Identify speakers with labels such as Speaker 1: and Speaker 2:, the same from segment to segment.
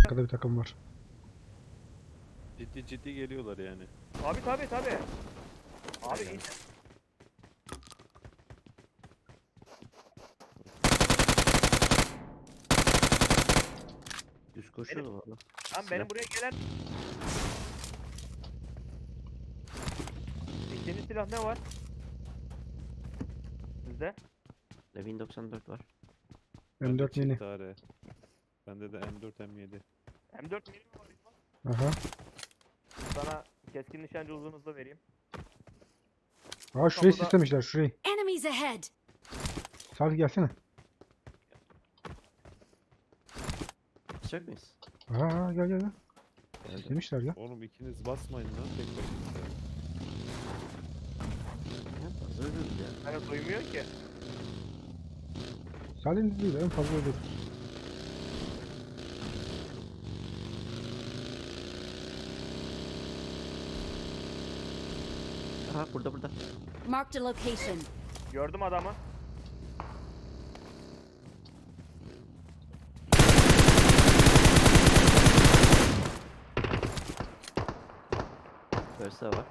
Speaker 1: Arkada bir takım var.
Speaker 2: Ciddi geliyorlar yani.
Speaker 3: Abi tabi. Abi
Speaker 2: Aynen.
Speaker 4: Düz koşuyordu valla.
Speaker 3: lan benim buraya gelen... İkinci silah ne var? Sizde?
Speaker 4: Levin 94 var.
Speaker 2: Bende
Speaker 1: M4 mini.
Speaker 2: çift AR. Bende de M4 M7.
Speaker 3: M4 mini mi var İsmail?
Speaker 1: Aha.
Speaker 3: Sana keskin nişancı uzun hızlı vereyim.
Speaker 1: Aa şurayı
Speaker 3: Kapıda-
Speaker 1: sislemişler şurayı.
Speaker 5: Enemies ahead!
Speaker 1: Salih gelsene.
Speaker 4: Basacak mıyız?
Speaker 1: Aa gel.
Speaker 4: Geldim.
Speaker 1: Sislemişler ya.
Speaker 2: Oğlum ikiniz basmayın lan tek başınıza.
Speaker 4: Ya, fazla ölürüz ya.
Speaker 3: Bana duymuyor ki.
Speaker 1: Salih'in değil en fazla olur.
Speaker 4: Aha burada.
Speaker 5: Marked a location.
Speaker 3: Gördüm adamı.
Speaker 4: Versa var.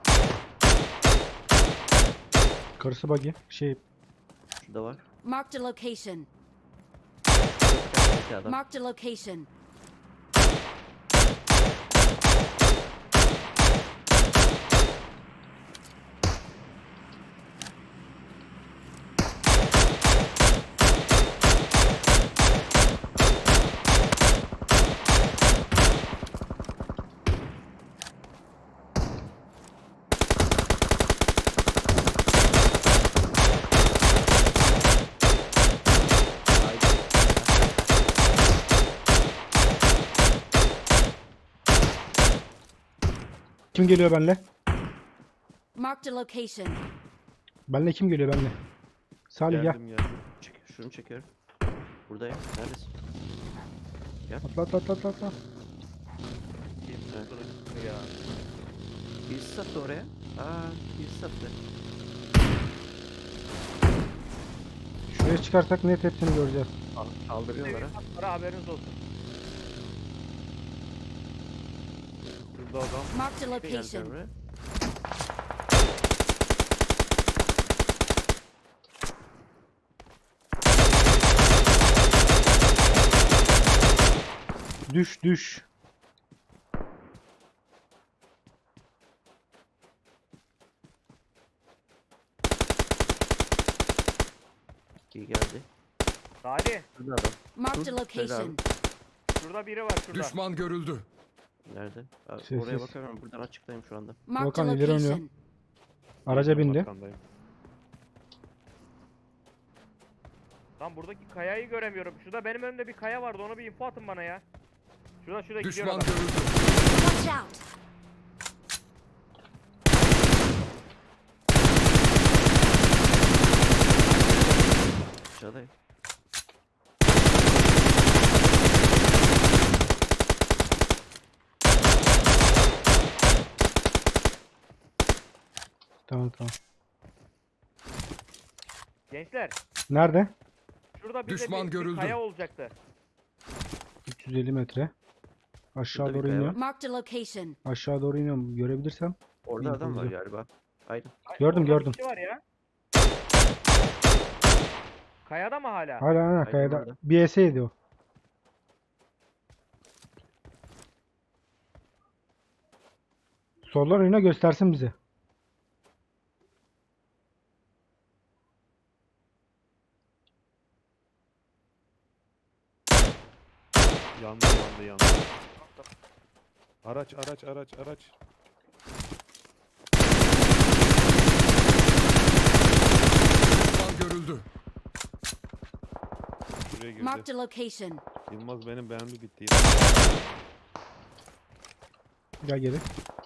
Speaker 1: Karısı buggy.
Speaker 4: Şurada var.
Speaker 5: Marked a location.
Speaker 4: İki adam.
Speaker 5: Marked a location.
Speaker 4: Haydi.
Speaker 1: Kim geliyor benle?
Speaker 5: Marked a location.
Speaker 1: Benle kim geliyor benle? Salih gel.
Speaker 2: Geldim.
Speaker 4: Şunu çekiyorum. Buradayım. Neredesin?
Speaker 1: Atla.
Speaker 3: Kim
Speaker 4: Evet.
Speaker 3: tuttu ya.
Speaker 4: Birisi sattı oraya. Birisi sattı.
Speaker 1: Şuraya çıkarsak net hepsini göreceğiz.
Speaker 4: Kaldırıyorlar ha.
Speaker 3: Para haberiniz olsun.
Speaker 2: Şurada adam.
Speaker 5: Marked a
Speaker 4: Bir geldi
Speaker 5: location.
Speaker 4: oraya.
Speaker 1: Düş.
Speaker 4: İyi geldi.
Speaker 3: Salih.
Speaker 4: Şurada adam.
Speaker 5: Marked a
Speaker 4: Dur,
Speaker 5: location.
Speaker 3: Şurada biri var şurada.
Speaker 6: Düşman görüldü.
Speaker 4: Nerede? Abi,
Speaker 1: Sessiz.
Speaker 4: oraya bakamıyorum. Buradan açıktayım şu anda.
Speaker 5: Marked a
Speaker 1: Volkan ileri oynuyor.
Speaker 5: location.
Speaker 1: Araca bindi.
Speaker 2: Arkandayım.
Speaker 3: Lan buradaki kayayı göremiyorum. Şurada benim önümde bir kaya vardı. Onu bir info atın bana ya. Şurada gidiyor
Speaker 6: Düşman
Speaker 3: adam.
Speaker 6: görüldü.
Speaker 5: Watch out!
Speaker 4: Aşağıdayım.
Speaker 1: Tamam.
Speaker 3: Gençler.
Speaker 1: Nerede?
Speaker 3: Şurada bize
Speaker 6: Düşman
Speaker 3: bir
Speaker 6: görüldü.
Speaker 3: kaya olacaktı.
Speaker 1: 350 metre. Aşağı
Speaker 4: Şurada bir
Speaker 1: doğru
Speaker 4: kaya
Speaker 1: iniyorum.
Speaker 5: Marked a location.
Speaker 1: Aşağı doğru iniyorum. Görebilirsem.
Speaker 4: Orada
Speaker 1: İyi,
Speaker 4: adam var
Speaker 1: güzel.
Speaker 4: galiba. Aynen.
Speaker 1: Gördüm,
Speaker 3: Orada
Speaker 1: gördüm.
Speaker 3: bir şey var ya. Kayada mı hala?
Speaker 1: Hala
Speaker 4: Aynen
Speaker 1: kayada.
Speaker 4: orada.
Speaker 1: Bir ES'ydi o. Soldan oyuna göstersin bize.
Speaker 2: Yandı. Araç.
Speaker 6: Düşman görüldü.
Speaker 2: Şuraya girdi.
Speaker 5: Marked a location.
Speaker 2: Yılmaz benim beğendi bitti.
Speaker 1: Gel geri.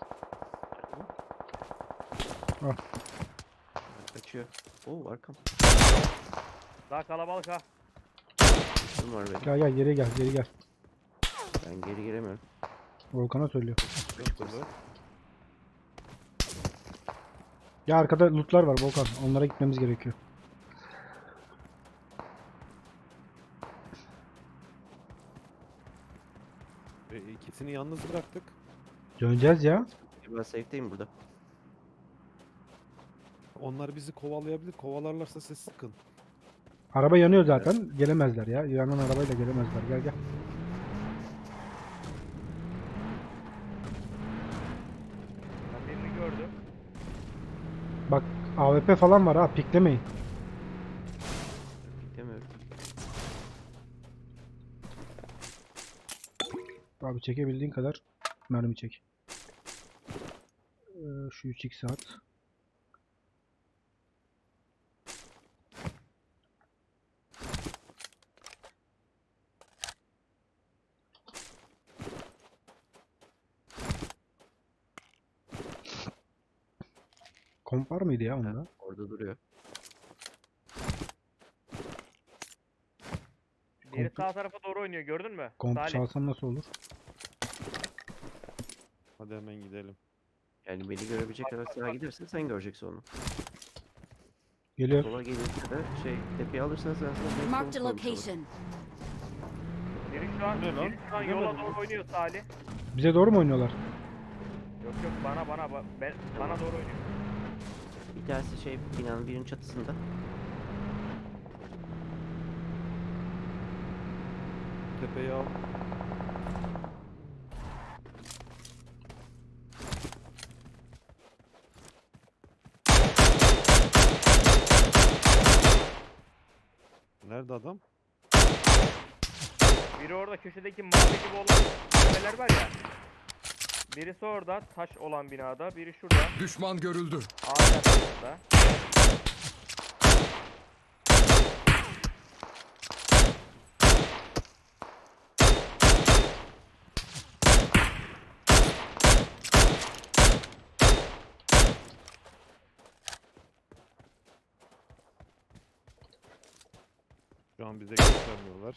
Speaker 4: Kaçıyor. Oo arkam.
Speaker 3: Daha kalabalık ha.
Speaker 4: Kim var benim?
Speaker 1: Gel geri gel.
Speaker 4: Ben geri giremiyorum.
Speaker 1: Volkan'a söylüyor.
Speaker 2: Şurada.
Speaker 1: Ya arkada lootlar var Volkan. Onlara gitmemiz gerekiyor.
Speaker 2: İkisini yalnız bıraktık.
Speaker 1: Döneceğiz ya.
Speaker 4: Ben safe'deyim burada.
Speaker 2: Onlar bizi kovalayabilir. Kovalarlarsa siz sıkın.
Speaker 1: Araba yanıyor zaten. Gelemezler ya. Yanan arabayla gelemezler. Gel gel.
Speaker 3: Ben birini gördüm.
Speaker 1: Bak AWP falan var ha. Piklemeyin.
Speaker 4: Demiyorum.
Speaker 1: Abi çekebildiğin kadar mermi çek. Şu 3x at. Komp var mıydı ya onda?
Speaker 4: Orada duruyor.
Speaker 3: Biri
Speaker 1: Komp-
Speaker 3: sağ tarafa doğru oynuyor, gördün mü?
Speaker 1: Komp
Speaker 3: Salih.
Speaker 1: çalsam nasıl olur?
Speaker 2: Hadi hemen gidelim.
Speaker 4: Yani beni görebilecek kadar sağa gidersen sen göreceksin onu.
Speaker 1: Geliyor.
Speaker 4: Sola gelirse de tepeye alırsan sen sana
Speaker 5: Marked a location.
Speaker 3: Biri şu an,
Speaker 2: Bu ne lan?
Speaker 3: biri şu an
Speaker 2: Bilemedim.
Speaker 3: yola doğru oynuyor Salih.
Speaker 1: Bize doğru mu oynuyorlar?
Speaker 3: Yok yok, bana doğru oynuyor.
Speaker 4: Bir tanesi binanın birinin çatısında.
Speaker 2: Tepeyi al. Nerede adam?
Speaker 3: Biri orada köşedeki mavi gibi olan tepeler var ya. Birisi orada taş olan binada, biri şurada
Speaker 6: Düşman görüldü.
Speaker 3: ağaç arkasında.
Speaker 2: Şu an bize göstermiyorlar.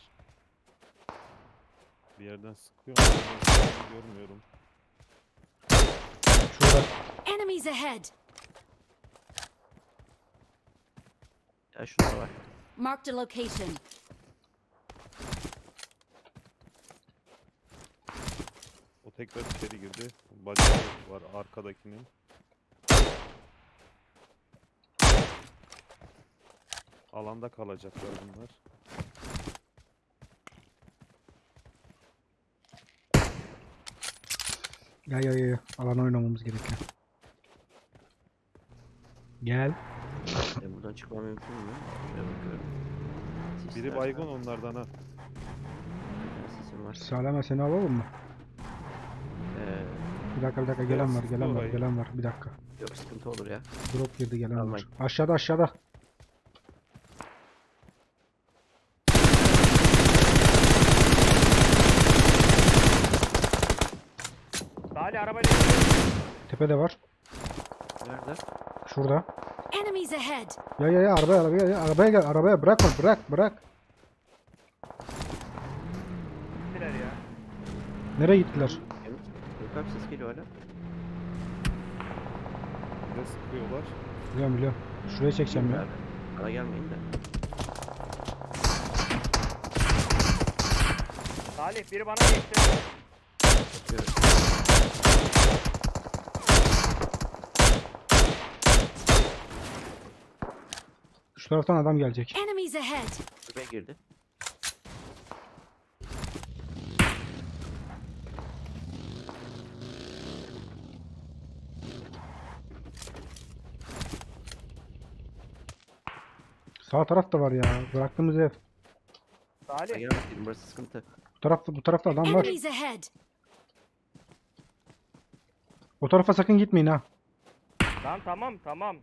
Speaker 2: Bir yerden sıkıyor ama nereden sıktığını görmüyorum.
Speaker 1: Şurada.
Speaker 5: Enemies ahead.
Speaker 4: Ya şurada var.
Speaker 5: Marked a location.
Speaker 2: O tekrar içeri girdi. Bacağı var arkadakinin. Alanda kalacaklar bunlar.
Speaker 1: Gel. Alan oynamamız gerekiyor. Gel.
Speaker 4: Buradan çıkmam mümkün mü? Şuraya bakıyorum.
Speaker 2: Biri
Speaker 4: Sisler
Speaker 2: baygın
Speaker 4: var.
Speaker 2: onlardan ha.
Speaker 4: Bir tane sisim var.
Speaker 1: Salama seni alalım mı? Bir dakika gelen var
Speaker 2: Sıkıyor
Speaker 1: gelen var bir dakika.
Speaker 4: Yok sıkıntı olur ya.
Speaker 1: Drop girdi gelen var.
Speaker 4: Almayın.
Speaker 1: Aşağıda.
Speaker 3: Salih arabayla gidiyor.
Speaker 1: Tepede var.
Speaker 4: Nerede?
Speaker 1: Şurada.
Speaker 5: Enemies ahead.
Speaker 1: Ya arabaya gel arabaya bırakma bırak.
Speaker 3: Gittiler ya.
Speaker 1: Nereye gittiler?
Speaker 4: Temiz. Yok abi ses geliyor hala.
Speaker 2: Bir de sıkıyorlar.
Speaker 1: Biliyorum. Şuraya çekeceğim ya.
Speaker 4: Abi, bana gelmeyin de.
Speaker 3: Salih biri bana geçti.
Speaker 4: Bakıyorum.
Speaker 1: Şu taraftan adam gelecek.
Speaker 5: Enemies ahead.
Speaker 4: Buraya girdi.
Speaker 1: Sağ taraf da var ya. Bıraktığımız ev.
Speaker 4: Ben
Speaker 3: Salih
Speaker 4: gelmedim. Burası sıkıntı.
Speaker 1: Bu tarafta adam var.
Speaker 5: Enemies ahead.
Speaker 1: O tarafa sakın gitmeyin ha.
Speaker 3: lan tamam.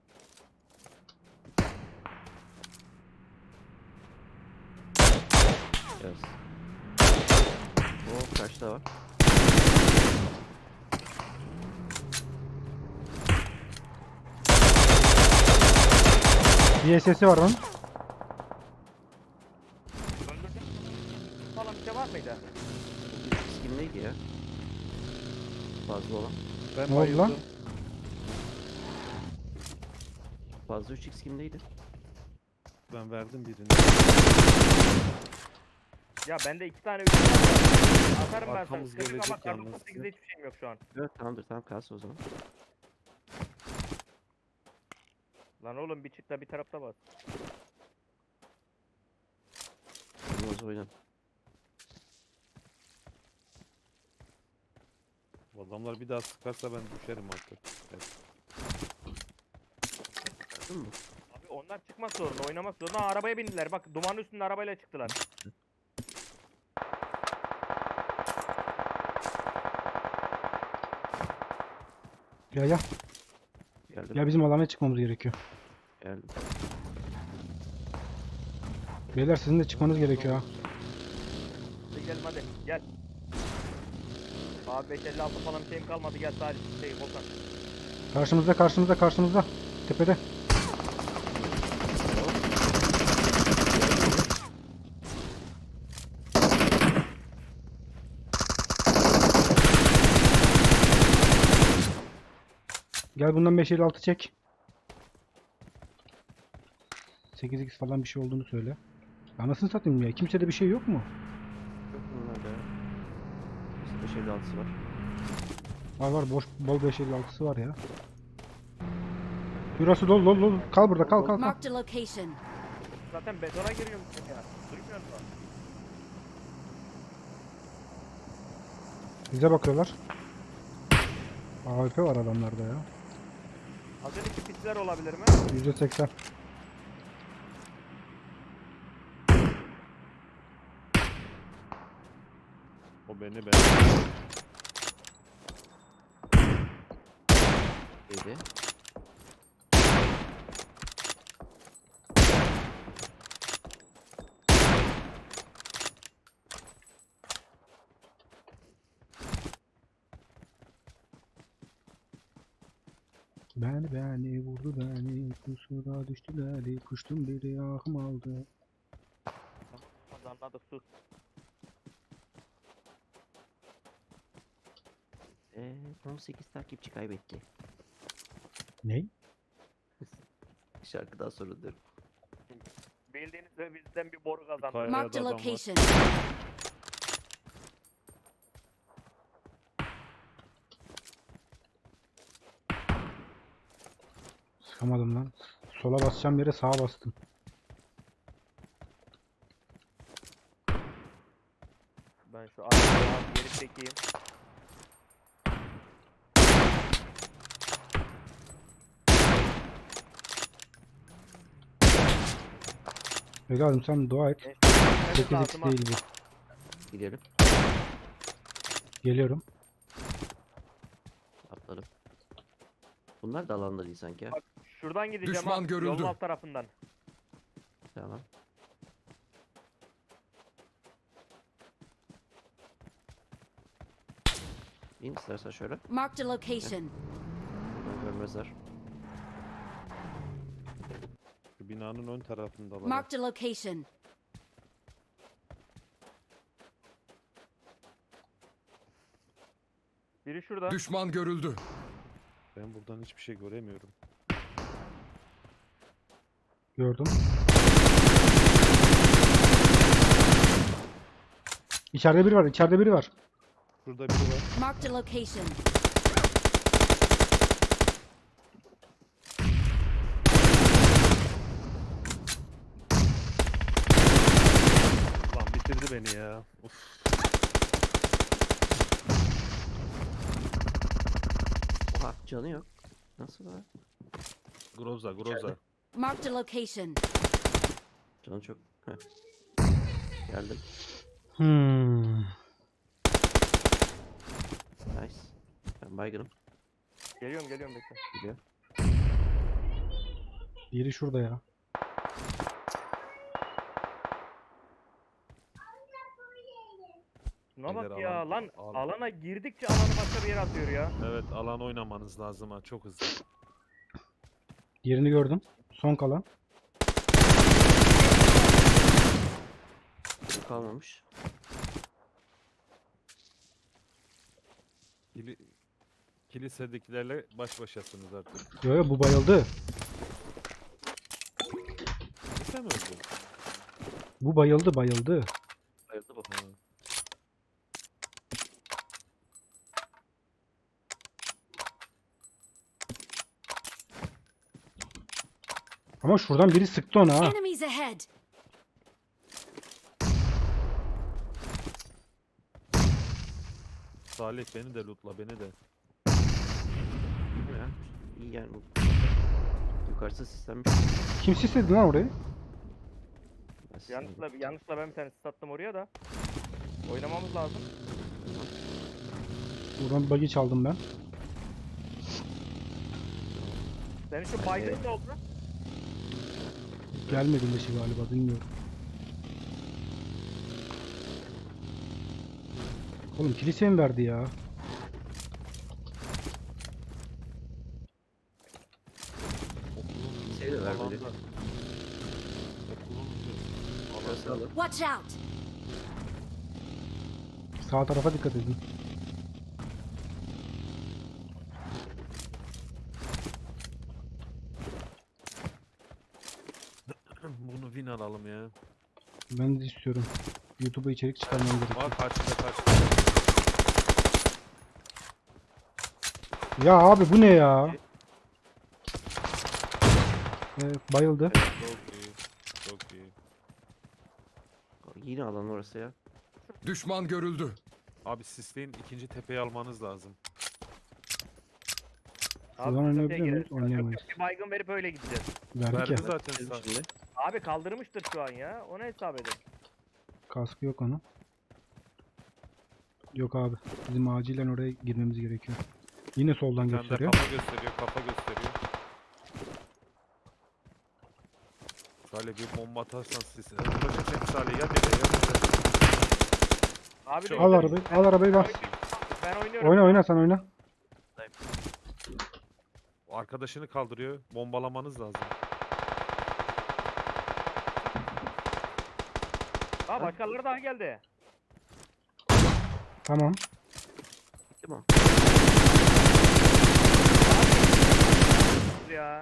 Speaker 4: Yes. O karşıda var.
Speaker 1: Bir SS'i var onun.
Speaker 3: Öldürdün mü? Falan bir şey var mıydı?
Speaker 4: Bu bir skin neydi ya? Fazla olan.
Speaker 2: Ben
Speaker 1: Ne oldu lan?
Speaker 2: bayıldım.
Speaker 4: Fazla 3x kimdeydi?
Speaker 2: Ben verdim birini.
Speaker 3: Ya bende 2 tane 3 tane var. Atarım ben sana.
Speaker 2: Arkamız
Speaker 3: Sıkıntı yok ama
Speaker 2: gelecek
Speaker 3: kar
Speaker 2: yalnız.
Speaker 3: 98'de hiçbir şeyim yok şu an.
Speaker 4: Evet tamamdır, tamam kalsın o zaman.
Speaker 3: Lan oğlum bir çık da bir tarafta bas.
Speaker 4: Olmaz oynan.
Speaker 2: Bu adamlar bir daha sıkarsa ben düşerim artık. Evet.
Speaker 4: Gördün mü?
Speaker 3: Abi onlar çıkmak zorunda, oynamak zorunda. Arabaya bindiler. Bak dumanın üstünde arabayla çıktılar.
Speaker 1: Gel gel.
Speaker 4: Geldim.
Speaker 1: Gel bizim alana çıkmamız gerekiyor.
Speaker 4: Geldim.
Speaker 1: Beyler sizin de çıkmanız gerekiyor ha.
Speaker 3: Hadi gel hadi gel. Abi 556 falan bir şeyim kalmadı. Gel sadece şey Volkan.
Speaker 1: Karşımızda karşımızda karşımızda. Tepede. Gel bundan 556 çek. 8x falan bir şey olduğunu söyle. Anasını satayım ya. Kimsede bir şey yok mu?
Speaker 4: Yok bunlarda ya. 556'sı var.
Speaker 1: Var var boş bol 556'sı var ya. Burası dolu dolu dolu. Kal burada kal kal kal.
Speaker 5: Marked a location.
Speaker 3: Zaten betona giriyorum ya. Duymuyor musun?
Speaker 1: Bize bakıyorlar. AWP var adamlarda ya.
Speaker 3: Az önceki pisler olabilir mi?
Speaker 1: %80.
Speaker 2: O beni
Speaker 4: Neydi?
Speaker 1: Beni vurdu beni. Kusura düştüler. Kuştum biri ahım aldı.
Speaker 3: Hadi anladık sus.
Speaker 4: 18 takipçi kaybetti.
Speaker 1: Ne?
Speaker 4: Şarkıdan sonra diyorum.
Speaker 3: Bildiğiniz üzere bizden bir boru kazandı.
Speaker 2: Kaya-
Speaker 5: Marked a
Speaker 2: adam var.
Speaker 5: location.
Speaker 1: Sıkamadım lan. Sola basacağım yere sağa bastım.
Speaker 3: Ben şu arkaya az geri çekeyim.
Speaker 1: Evladım sen dua et.
Speaker 3: Neyse,
Speaker 1: 8x
Speaker 3: altıma-
Speaker 1: değil bu.
Speaker 4: Gidelim.
Speaker 1: Geliyorum.
Speaker 4: Atladım. Bunlar da alanda değil sanki ya.
Speaker 3: Bak şuradan gideceğim
Speaker 6: Düşman
Speaker 3: abi,
Speaker 6: görüldü.
Speaker 3: yolun alt tarafından.
Speaker 4: Tamam. İn istersen şöyle.
Speaker 5: Marked a location.
Speaker 4: Buradan görmezler.
Speaker 2: Şu binanın ön tarafındalar.
Speaker 5: Marked a location.
Speaker 3: Biri şurada.
Speaker 6: Düşman görüldü.
Speaker 2: Ben buradan hiçbir şey göremiyorum.
Speaker 1: Gördüm. İçeride biri var. İçeride biri var.
Speaker 2: Şurada biri var.
Speaker 5: Marked a location.
Speaker 2: Lan bitirdi beni ya. Of.
Speaker 4: Oha canı yok. Nasıl var?
Speaker 2: Groza, Groza.
Speaker 5: Marked a location.
Speaker 4: Canı çok. Heh. Geldim. Nice. Ben baygınım.
Speaker 3: Geliyorum bekle.
Speaker 4: Gidiyor.
Speaker 1: Biri şurada ya.
Speaker 3: Şuna bak
Speaker 2: Beyler,
Speaker 3: ya
Speaker 2: alan-
Speaker 3: lan
Speaker 2: alan-
Speaker 3: alana girdikçe alanı başka bir yere atıyor ya.
Speaker 2: Evet, alan oynamanız lazım ha, çok hızlı.
Speaker 1: Yerini gördüm. Son kalan.
Speaker 4: Biri kalmamış.
Speaker 2: Kilisedekilerle baş başasınız artık.
Speaker 1: Yo yo bu bayıldı.
Speaker 2: Kilise mi öldü?
Speaker 1: Bu bayıldı bayıldı.
Speaker 4: Bayıldı bu.
Speaker 1: Ama şuradan biri sıktı ona ha.
Speaker 5: Enemies ahead!
Speaker 2: Salih beni de lootla beni de.
Speaker 4: Ya, iyi yani bu. Yukarısı sistem.
Speaker 1: Kim sisledi lan orayı?
Speaker 3: Yanlışla ben bir tane sattım oraya da. Oynamamız lazım.
Speaker 1: Buradan bir buggy çaldım ben.
Speaker 3: Senin şu baygın ne oldu?
Speaker 1: Gelmedi leşi galiba, bilmiyorum. Oğlum kiliseye mi verdi ya?
Speaker 2: Okulun
Speaker 4: Şey de vermedi.
Speaker 2: alanda. Okulun
Speaker 4: Şurası
Speaker 2: alanda.
Speaker 4: alın.
Speaker 5: Watch out!
Speaker 1: Sağ tarafa dikkat edin.
Speaker 2: Bunu win alalım ya.
Speaker 1: Ben de istiyorum. YouTube'a içerik çıkarmam gerekiyor.
Speaker 2: Bak kaçtı.
Speaker 1: Ya abi bu ne ya? Bayıldı.
Speaker 2: Evet, çok iyi.
Speaker 4: Yine alan orası ya.
Speaker 6: Düşman görüldü.
Speaker 2: Abi sisleyin ikinci tepeyi almanız lazım.
Speaker 1: Şuradan
Speaker 3: çatıya
Speaker 1: oynayabiliyor muyuz?
Speaker 3: girelim.
Speaker 1: Oynayamayız.
Speaker 3: Yok, bir baygın verip öyle gideceğiz.
Speaker 1: Verdik
Speaker 2: Verdi
Speaker 1: ya.
Speaker 2: zaten
Speaker 4: Dedim
Speaker 2: sağ.
Speaker 4: şimdi.
Speaker 3: Abi kaldırmıştır şu an ya. Ona hesap edin.
Speaker 1: Kaskı yok onun. Yok abi. Bizim acilen oraya girmemiz gerekiyor. Yine soldan
Speaker 2: Bir tane de
Speaker 1: gösteriyor.
Speaker 2: kafa gösteriyor. Salih bir bomba atarsan siz. Vuracak seni Salih ya bir de.
Speaker 3: Abi
Speaker 2: Çok-
Speaker 1: Al arabayı, al arabayı bas.
Speaker 3: Ben oynuyorum.
Speaker 1: Oyna sen oyna.
Speaker 2: Arkadaşını kaldırıyor. Bombalamanız lazım.
Speaker 3: Aa başkaları daha geldi.
Speaker 1: Tamam.
Speaker 4: Bitti mi?
Speaker 3: Ya.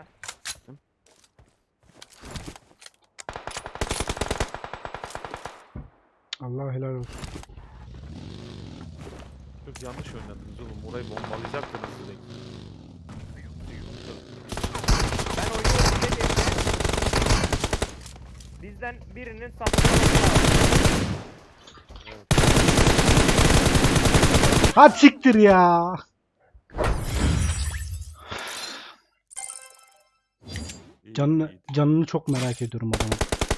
Speaker 1: Allah helal olsun.
Speaker 2: Çok yanlış oynadınız oğlum. Orayı bombalayacaktınız direkt.
Speaker 3: Ben oynuyorum dediğimde bizden birinin sapıklaması lazım.
Speaker 1: Ha siktir ya.
Speaker 2: İyi,
Speaker 1: Canını
Speaker 2: iyi.
Speaker 1: canını çok merak ediyorum adamın.